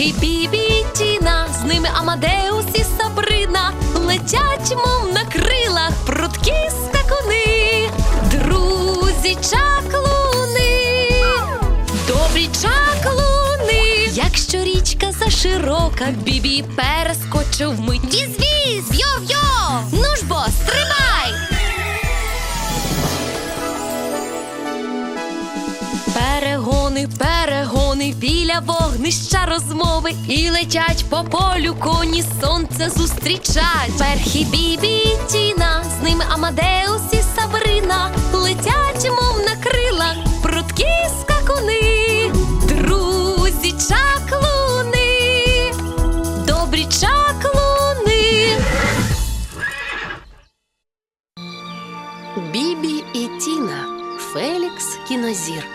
Перхі, Бібі і Тіна, з ними Амадеус і Сабрина, летять, мов на крилах, прудкі скакуни, друзі чаклуни, добрі чаклуни. Якщо річка заширока, Бібі перескочив вмить. Віз-віз, йо-йо, ну ж бо, стрибай! Перегони, перегони, біля вогнища розмови, і летять по полю коні, сонце зустрічать. Перхі, Бібі і Тіна, з ними Амадеус і Сабрина, летять, мов на крилах, прудкі скакуни, друзі чаклуни, добрі чаклуни. Бібі і Тіна. Фелікс кінозірка.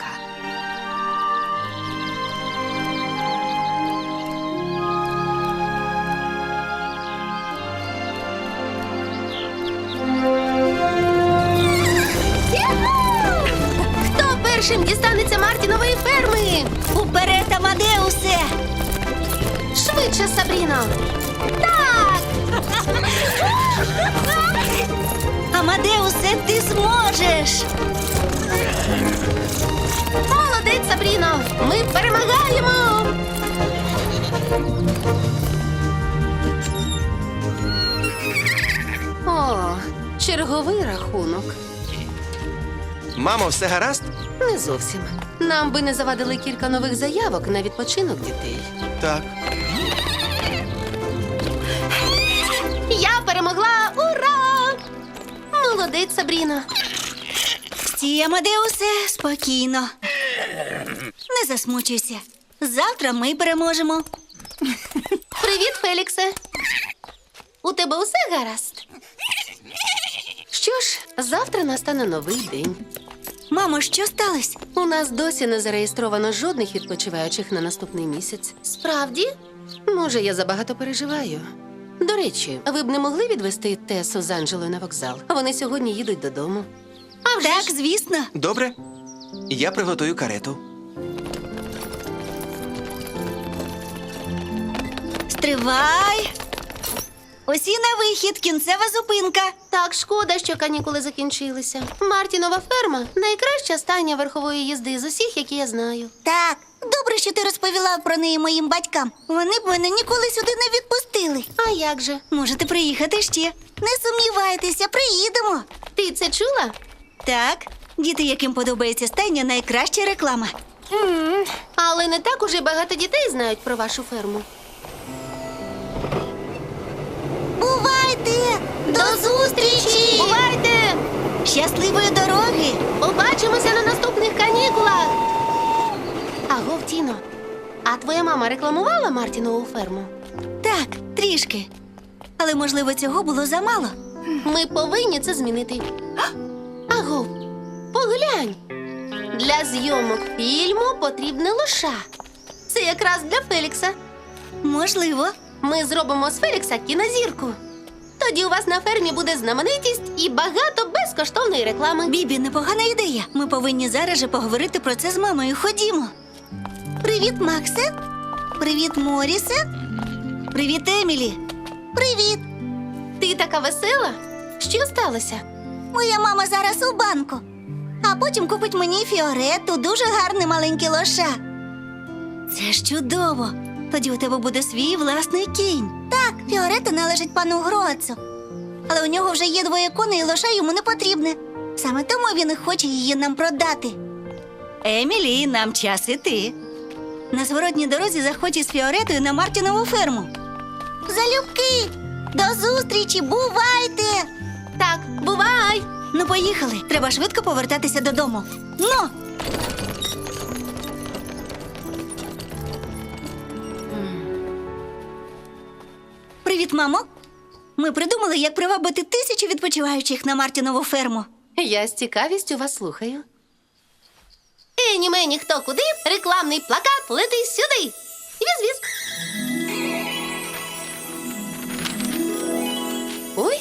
Хто першим дістанеться Мартінової ферми? Уперед, Амадеусе! Швидше, Сабріно! Так! Амадеусе, ти зможеш! Молодець, Сабріно! Ми перемагаємо! О, черговий рахунок. Мамо, все гаразд? Не зовсім. Нам би не завадили кілька нових заявок на відпочинок дітей. Так. Я перемогла! Ура! Молодець, Сабріно! Стій, Амадеусе, спокійно. Не засмучуйся. Завтра ми переможемо. Привіт, Феліксе! У тебе усе гаразд? Що ж, завтра настане новий день. Мамо, що сталося? У нас досі не зареєстровано жодних відпочиваючих на наступний місяць. Справді? Може, я забагато переживаю. До речі, ви б не могли відвести Тесу з Анджелою на вокзал? Вони сьогодні їдуть додому. Так, звісно. Добре. Я приготую карету. Стривай. Усі на вихід, кінцева зупинка. Так, шкода, що канікули закінчилися. Мартінова ферма – найкраща стайня верхової їзди з усіх, які я знаю. Так, добре, що ти розповіла про неї моїм батькам. Вони б мене ніколи сюди не відпустили. А як же? Можете приїхати ще. Не сумнівайтеся, приїдемо. Ти це чула? Так, діти, яким подобається стайня, найкраща реклама. Але не так уже багато дітей знають про вашу ферму. Бувайте! До зустрічі! Бувайте! Щасливої дороги! Побачимося на наступних канікулах! Агов, Тіно, а твоя мама рекламувала Мартінову ферму? Так, трішки. Але, можливо, цього було замало. Ми повинні це змінити. Агов, поглянь! Для зйомок фільму потрібне лоша. Це якраз для Фелікса. Можливо. Ми зробимо з Фелікса кінозірку. Тоді у вас на фермі буде знаменитість і багато безкоштовної реклами. Бібі, непогана ідея. Ми повинні зараз же поговорити про це з мамою. Ходімо. Привіт, Максе. Привіт, Морісе. Привіт, Емілі. Привіт. Ти така весела? Що сталося? Моя мама зараз у банку. А потім купить мені Фіорету, дуже гарне маленьке лоша. Це ж чудово. Тоді у тебе буде свій власний кінь. Так, Фіорета належить пану Гроцу. Але у нього вже є 2 коней, і лоша йому не потрібне. Саме тому він і хоче її нам продати. Емілі, нам час іти. На зворотній дорозі заходь із Фіоретою на Мартінову ферму. Залюбки! До зустрічі! Бувайте! Так, бувай! Ну, поїхали. Треба швидко повертатися додому. Ну! Привіт, мамо. Ми придумали, як привабити 1000 відпочиваючих на Мартінову ферму. Я з цікавістю вас слухаю. Ені мені хто куди, рекламний плакат лети сюди. Віз-віз. Ой.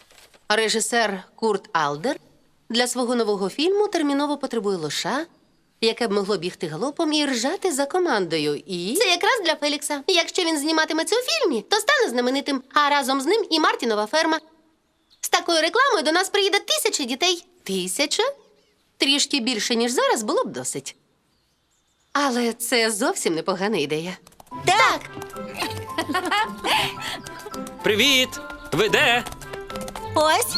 Режисер Курт Алдер для свого нового фільму терміново потребує лоша, яке б могло бігти галопом і ржати за командою. І Це якраз для Фелікса. Якщо він зніматиметься у фільмі, то стане знаменитим, а разом з ним і Мартінова ферма. З такою рекламою до нас приїде 1000 дітей. 1000? Трішки більше, ніж зараз, було б досить. Але це зовсім непогана ідея. Так, Привіт! Ви де? ось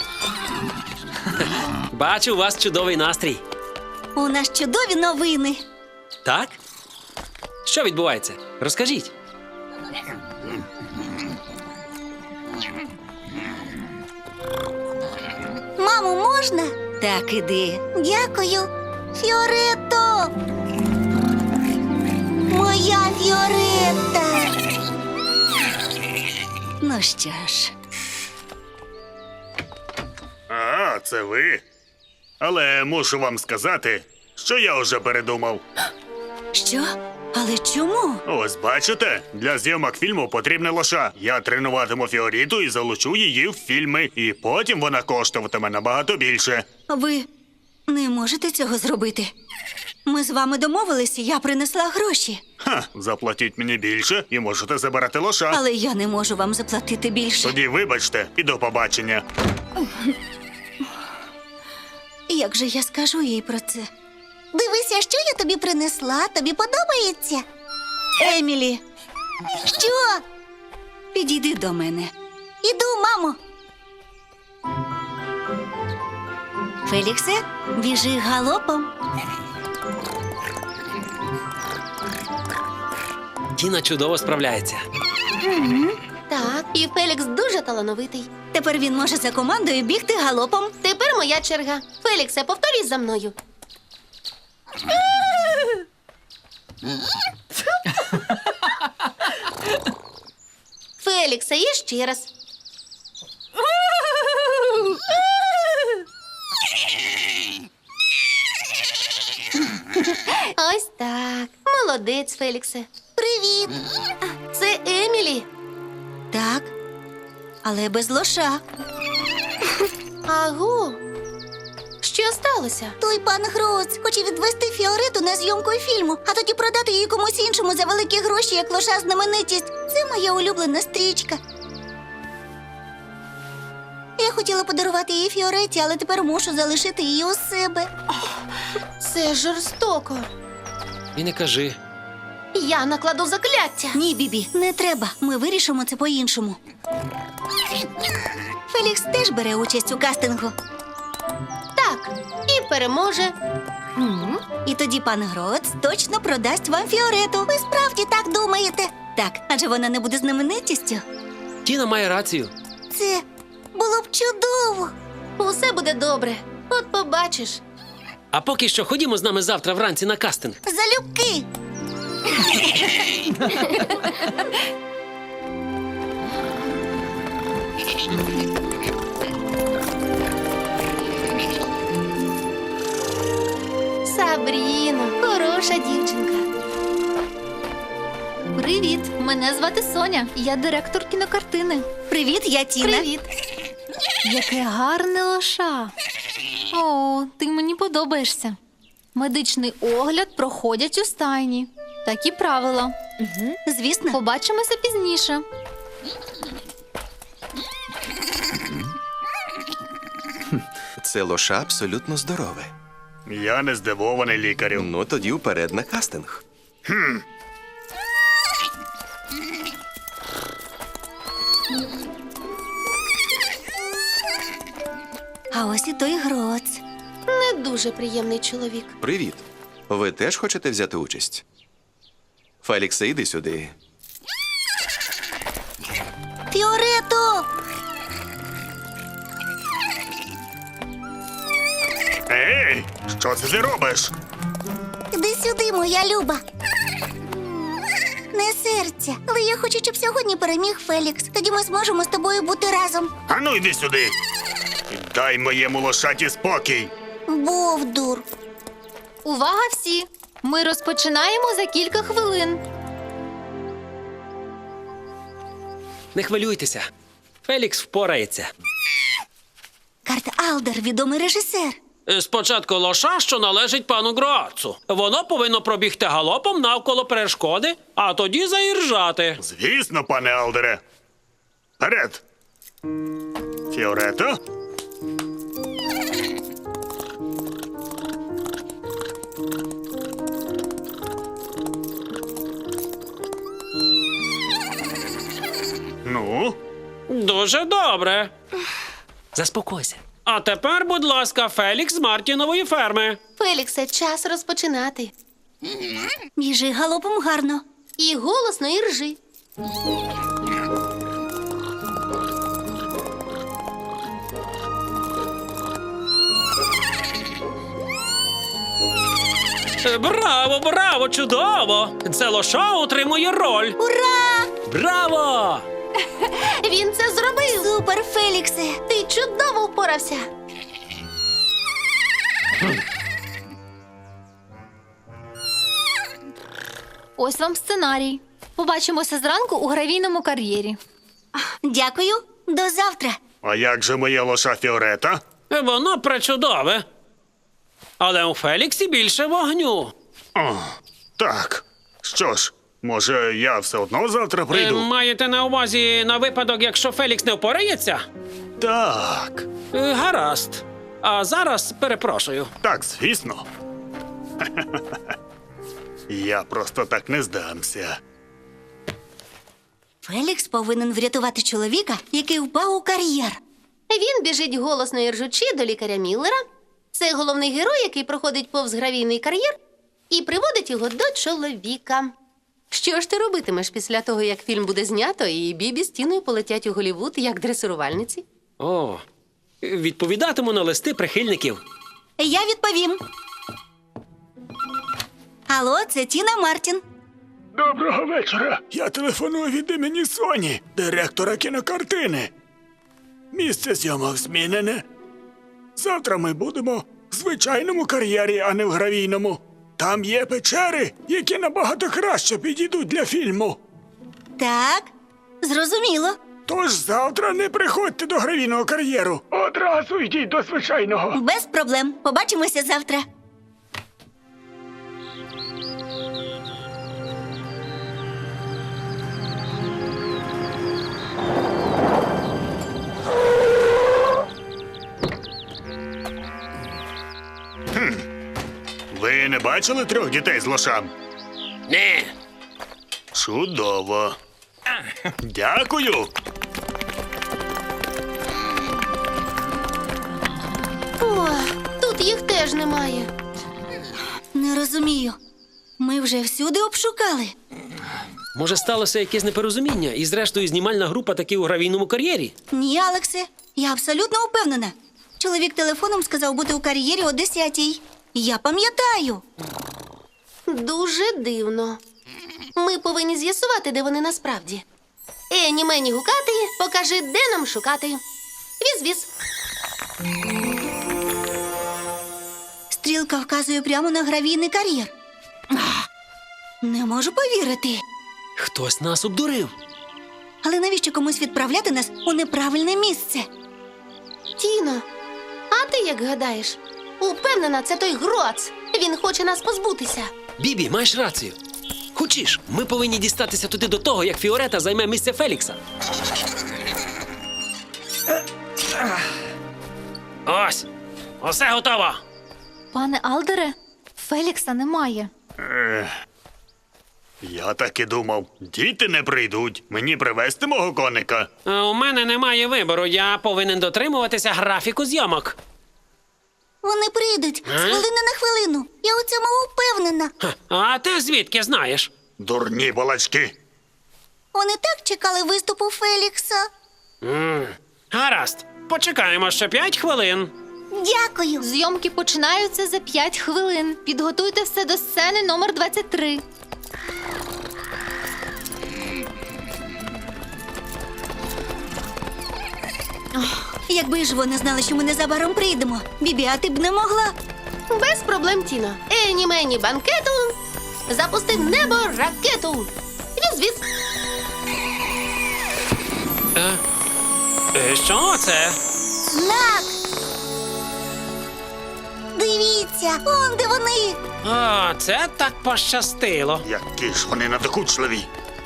Бачу, у вас чудовий настрій. у нас чудові новини. Так? Що відбувається? Розкажіть. Мамо, можна? Так, іди. Дякую. Фіоретто! Моя Фіоретта! Ну що ж, А, це ви. Але мушу вам сказати, що я вже передумав. що? Але чому? Ось бачите, для зйомок фільму потрібна лоша. Я тренуватиму Фіоріту і залучу її в фільми, і потім вона коштуватиме набагато більше. Ви не можете цього зробити. Ми з вами домовилися, я принесла гроші. Ха, заплатіть мені більше і можете забирати лоша. Але я не можу вам заплатити більше. Тоді вибачте і до побачення. Як же я скажу їй про це? Дивися, що я тобі принесла. Тобі подобається? Емілі. Що? Підійди до мене. Іду, мамо. Феліксе, біжи галопом. Тіна чудово справляється. Так, і Фелікс дуже талановитий. Тепер він може за командою бігти галопом. Тепер моя черга. Феліксе, повторюй за мною. Феліксе, і ще раз. Ось так. Молодець, Феліксе. Привіт. Це Емілі. Так, але без лоша. Агу. Що сталося? Той пан Гроц хоче відвести Фіорету на зйомку фільму, а тоді продати її комусь іншому за великі гроші, як лоша знаменитість. Це моя улюблена стрічка. Я хотіла подарувати її Фіореті, але тепер мушу залишити її у себе. Це жорстоко. І не кажи. Я накладу закляття. Ні, Бібі, не треба. Ми вирішимо це по-іншому. Фелікс теж бере участь у кастингу. Так, і переможе. І тоді пан Гроц точно продасть вам Фіорету. Ви справді так думаєте? Так, адже вона не буде знаменитістю. Тіна має рацію. Це було б чудово. Усе буде добре. От побачиш. А поки що ходімо з нами завтра вранці на кастинг. Залюбки. Сабріно, хороша дівчинка. Привіт, мене звати Соня. Я директор кінокартини. Привіт, я Тіна. Привіт. Яке гарне лоша. О, ти мені подобаєшся. Медичний огляд проходять у стайні. Такі правила. Звісно. Побачимося пізніше. Це лоша абсолютно здорове. Я не здивований, лікарю. Ну, тоді вперед на кастинг. А ось і той Гроц. Не дуже приємний чоловік. Привіт. Ви теж хочете взяти участь? Феліксе, іди сюди. Фіорето! Ей, що це ти робиш? Іди сюди, моя Люба. Не серця, але я хочу, щоб сьогодні переміг Фелікс. Тоді ми зможемо з тобою бути разом. Ану, йди сюди. І дай моєму лошаті спокій. Бовдур. Увага всі! Ми розпочинаємо за кілька хвилин. Не хвилюйтеся. Фелікс впорається. Карт Алдер, відомий режисер. Спочатку лоша, що належить пану Гроацу. Воно повинно пробігти галопом навколо перешкоди, а тоді заіржати. Звісно, пане Алдере. Вперед! Фіорето? Ну, Дуже добре. Заспокойся. А тепер, будь ласка, Фелікс з Мартінової ферми. Феліксе, час розпочинати. Біжи галопом гарно. І голосно, і ржи. Браво, браво, чудово! Це лоша отримує роль. Ура! Браво! Він це зробив! Супер, Феліксе! Ти чудово впорався! Ось вам сценарій. Побачимося зранку у гравійному кар'єрі. Дякую, до завтра. а як же моя лоша Фіорета? Воно пречудове. Але у Феліксі більше вогню. О, так. Що ж, може, я все одно завтра прийду? Маєте на увазі на випадок, якщо Фелікс не впорається? Так. Гаразд. А зараз перепрошую. Так, звісно. Я просто так не здамся. Фелікс повинен врятувати чоловіка, який впав у кар'єр. Він біжить голосно і ржучи до лікаря Міллера. Це головний герой, який проходить повз гравійний кар'єр і приводить його до чоловіка. Що ж ти робитимеш після того, як фільм буде знято, і Бібі з Тіною полетять у Голлівуд як дресирувальниці? О, відповідатиму на листи прихильників. Я відповім. Алло, це Тіна Мартін. Доброго вечора. Я телефоную від імені Соні, директора кінокартини. Місце зйомок змінене. Завтра ми будемо в звичайному кар'єрі, а не в гравійному. Там є печери, які набагато краще підійдуть для фільму. Так, зрозуміло. Тож завтра не приходьте до гравійного кар'єру. Одразу йдіть до звичайного. Без проблем. Побачимося завтра. Ви не бачили 3 дітей з лошам? Ні. Чудово. Дякую. О, тут їх теж немає. Не розумію. Ми вже всюди обшукали. Може, сталося якесь непорозуміння, і зрештою знімальна група таки у гравійному кар'єрі? Ні, Алексе, я абсолютно впевнена. Чоловік телефоном сказав бути у кар'єрі о 10-й. Я пам'ятаю. Дуже дивно. Ми повинні з'ясувати, де вони насправді. Ені мені гукати, покажи, де нам шукати. Віз-віз. Стрілка вказує прямо на гравійний кар'єр. Не можу повірити. Хтось нас обдурив. Але навіщо комусь відправляти нас у неправильне місце? Тіно, а ти як гадаєш? Упевнена, це той Гроац. Він хоче нас позбутися. Бібі, маєш рацію. Хочеш, ми повинні дістатися туди до того, як Фіорета займе місце Фелікса. Ось, усе готово. Пане Алдере, Фелікса немає. Я так і думав. Діти не прийдуть. Мені привезти мого коника. У мене немає вибору, я повинен дотримуватися графіку зйомок. Вони прийдуть з хвилини на хвилину. Я у цьому впевнена. А ти звідки знаєш? Дурні балачки. Вони так чекали виступу Фелікса. Гаразд, почекаємо ще 5 хвилин. Дякую. Зйомки починаються за 5 хвилин. Підготуйте все до сцени номер 23. Якби ж вони знали, що ми незабаром прийдемо. Бібі, а ти б не могла. Без проблем, Тіно. Ені мені банкету. Запустив небо ракету. Віз-віз. Що це? Знак! повертаються. Он де вони. О, це так пощастило. Які ж вони надокучливі.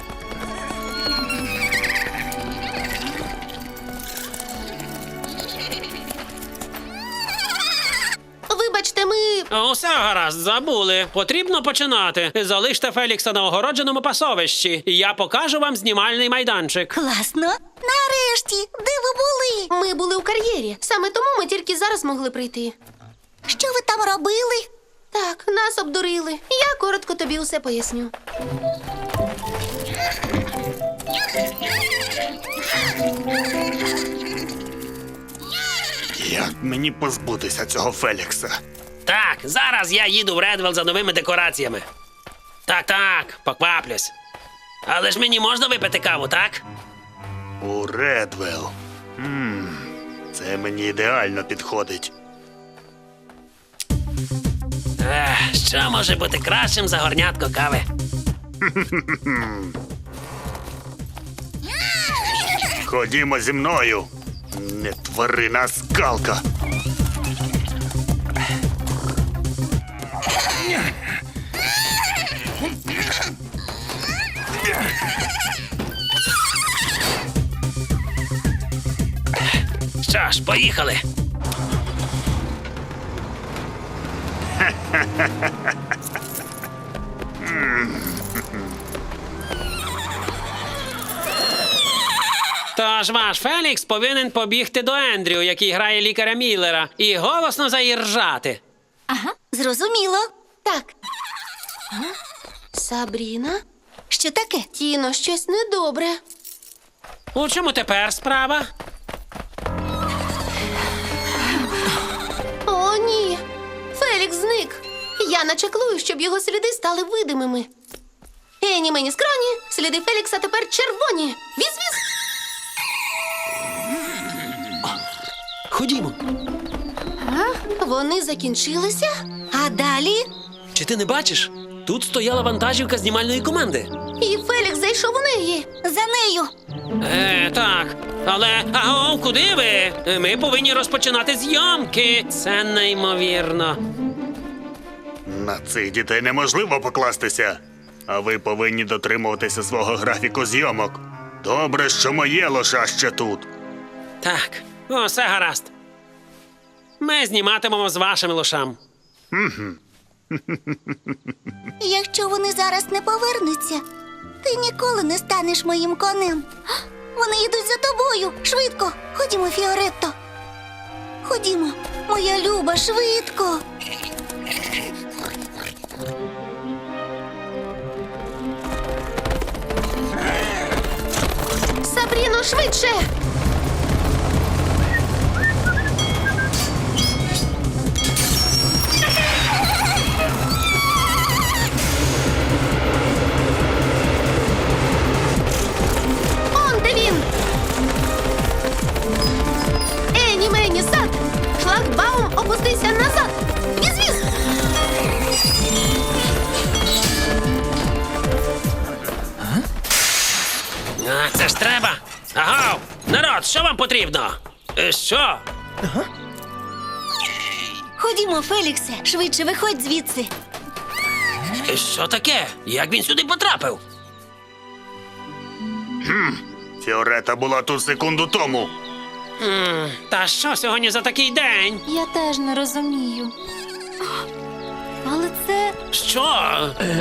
Вибачте, ми. Усе гаразд, забули. Потрібно починати. Залиште Фелікса на огородженому пасовищі. Я покажу вам знімальний майданчик. Класно. Нарешті, де ви були? Ми були у кар'єрі. Саме тому ми тільки зараз могли прийти. Що ви там робили? Так, нас обдурили. Я коротко тобі усе поясню. Як мені позбутися цього Фелікса? Так, зараз я їду в Редвелл за новими декораціями. Так, покваплюсь. Але ж мені можна випити каву, так? У Редвелл. Це мені ідеально підходить. Що може бути кращим за горнятко кави? Ходімо зі мною. Не тварина, а скалка. Що ж, поїхали. Тож ваш Фелікс повинен побігти до Ендрю, який грає лікаря Міллера, і голосно заіржати. Зрозуміло. Так. Сабріна? Що таке? Тіно, щось недобре. У чому тепер справа? О, ні. Фелікс зник. Я начеклую, щоб його сліди стали видимими. Ені мені скроні, сліди Фелікса тепер червоні. Віз-віз. Ходімо. Вони закінчилися? А далі? Чи ти не бачиш? Тут стояла вантажівка знімальної команди. І Фелікс зайшов у неї. За нею. Так. Але, аго, куди ви? Ми повинні розпочинати зйомки. Це неймовірно. На цих дітей неможливо покластися. А ви повинні дотримуватися свого графіку зйомок. Добре, що моє лоша ще тут. Так, усе гаразд. Ми зніматимемо з вашим лошам. Якщо вони зараз не повернуться, ти ніколи не станеш моїм конем. Вони йдуть за тобою. Швидко. Ходімо, Фіоретто. Ходімо, моя люба, швидко. Сабріно, швидше! Он де він! Ені мені сад! Шлагбаум, опустися назад! Віз-віз! Це ж треба. Агов! Народ, що вам потрібно? Що? Ходімо, Феліксе. Швидше виходь звідси. Що таке? Як він сюди потрапив? Фіорета була тут секунду тому. Та що сьогодні за такий день? Я теж не розумію. Але це Що?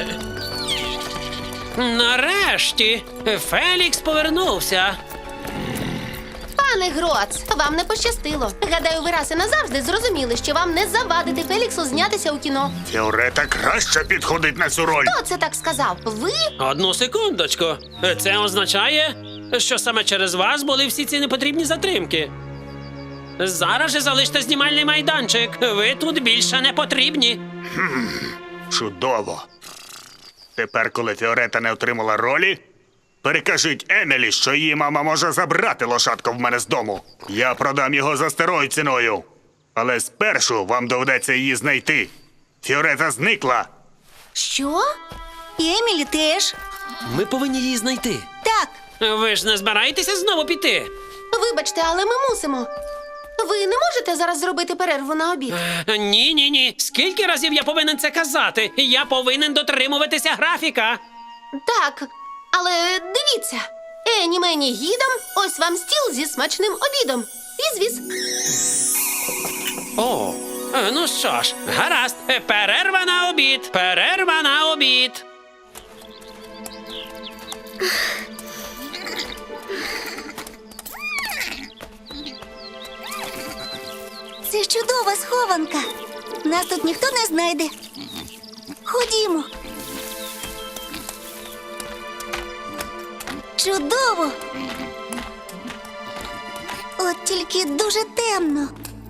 Нарешті Фелікс повернувся. Пане Гроц, вам не пощастило. Гадаю, ви раз і назавжди зрозуміли, що вам не завадити Феліксу знятися у кіно. Фіорета краще підходить на цю роль. Хто це так сказав? Ви? Одну секундочку. Це означає, що саме через вас були всі ці непотрібні затримки. Зараз же залиште знімальний майданчик. Ви тут більше не потрібні. Чудово. Тепер, коли Фіорета не отримала ролі, перекажіть Емілі, що її мама може забрати лошадку в мене з дому. Я продам його за старою ціною. Але спершу вам доведеться її знайти. Фіорета зникла. Що? І Емілі теж. Ми повинні її знайти. Так, Ви ж не збираєтеся знову піти? Вибачте, але ми мусимо. Ви не можете зараз зробити перерву на обід? Ні. Скільки разів я повинен це казати? Я повинен дотримуватися графіка. Так, але дивіться. Ені мені гідом, ось вам стіл зі смачним обідом. Віз-віз. О, ну що ж, гаразд. Перерва на обід. Перерва на обід. Це чудова схованка. Нас тут ніхто не знайде. Ходімо. Чудово. От тільки дуже темно.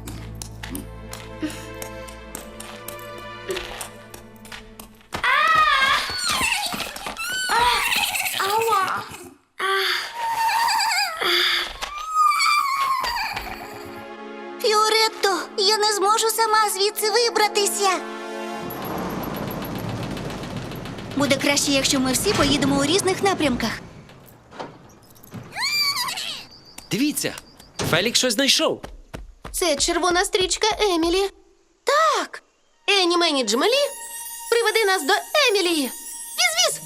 Фіоретто, я не зможу сама звідси вибратися. Буде краще, якщо ми всі поїдемо у різних напрямках. Дивіться, Фелікс щось знайшов. Це червона стрічка Емілі. Так. Ені мені Джмелі, приведи нас до Емілії. Віз-віз.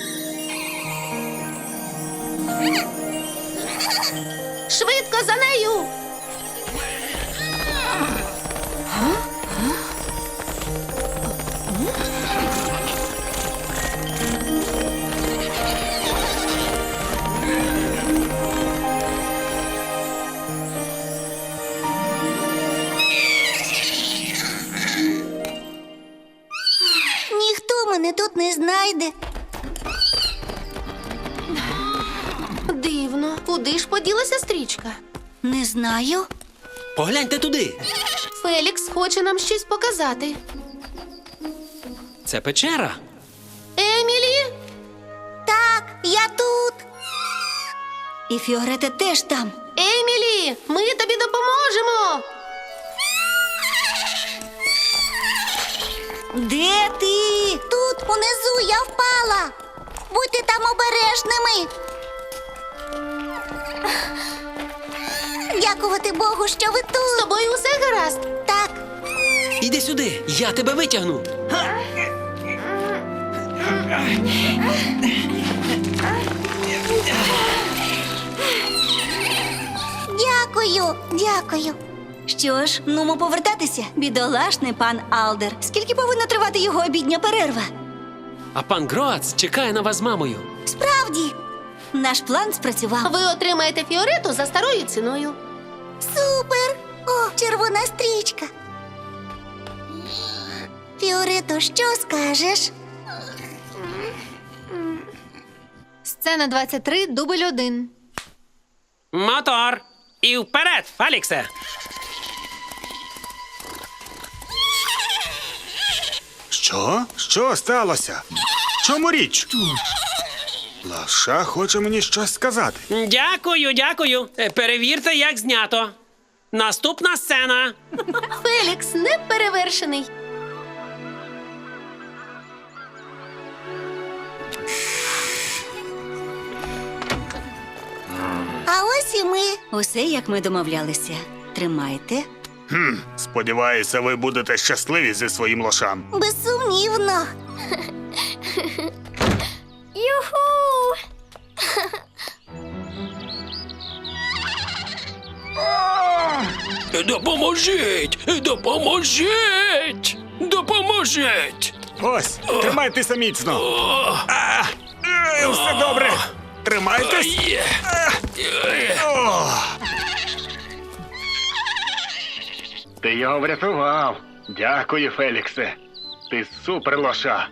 Швидко за нею. Ніхто мене тут не знайде. Дивно. Куди ж поділася стрічка? Не знаю. Погляньте туди. Фелікс хоче нам щось показати. Це печера. Емілі? Так, я тут. І Фіорета теж там. Емілі, ми тобі допоможемо. Де ти? Тут, унизу, я впала. Будьте там обережними. Дякувати Богу, що ви З тут. тобою усе гаразд? Так, Іди сюди, я тебе витягну. дякую. Що ж, нумо повертатися, бідолашний пан Алдер. Скільки повинна тривати його обідня перерва? А пан Гроац чекає на вас з мамою. Справді, наш план спрацював. Ви отримаєте Фіорету за старою ціною. Супер! О, червона стрічка. Фіорето, що скажеш? Сцена 23, дубль 1. Мотор! І вперед, Феліксе! Що? Що сталося? Чому річ? Лаша хоче мені щось сказати. Дякую. Перевірте, як знято. Наступна сцена. Фелікс неперевершений. А ось і ми. Усе, як ми домовлялися. Тримайте. Сподіваюся, ви будете щасливі зі своїм лошам. Безсумнівно. Юху! Допоможіть! Ось, тримайтеся міцно. Все добре. Тримайтесь. Ти його врятував. Дякую, Феліксе. Ти супер лоша.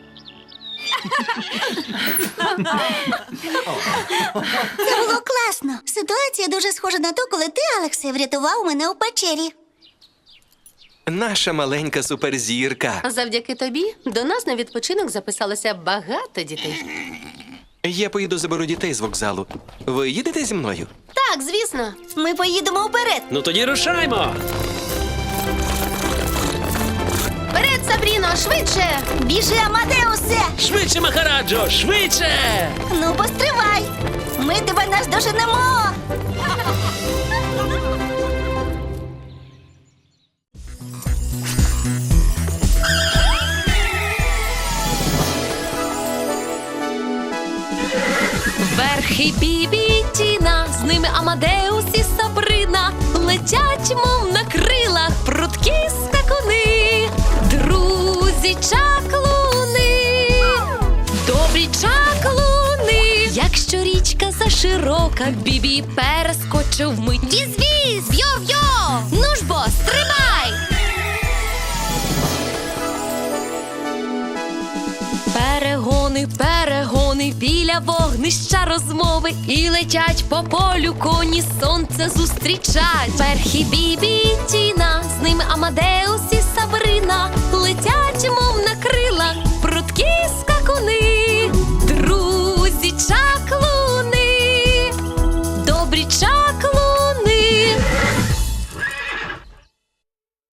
Це було класно. Ситуація дуже схожа на ту, коли ти, Алексе, врятував мене у печері. Наша маленька суперзірка. Завдяки тобі до нас на відпочинок записалося багато дітей. Я поїду заберу дітей з вокзалу. Ви їдете зі мною? Так, звісно. Ми поїдемо вперед. Ну тоді рушаймо! Вперед, Сабріно, швидше! Біжи, Амадеусе! Швидше, Махараджо, швидше! Ну, постривай! Ми тебе наздоженемо! Перхий Бібі і Тіна, з ними Амадеус і Сабрина летять, мов на крилах, прудкі скакуни, друзі чаклуни, добрі чаклуни. Якщо річка заширока, Бібі перескочив вмить. Віз-віз, йо-йо, ну ж бо, стрибай! Перегони, перегони, біля вогнища розмови, і летять по полю коні, сонце зустрічать. Перхі Бібі і Тіна, з ними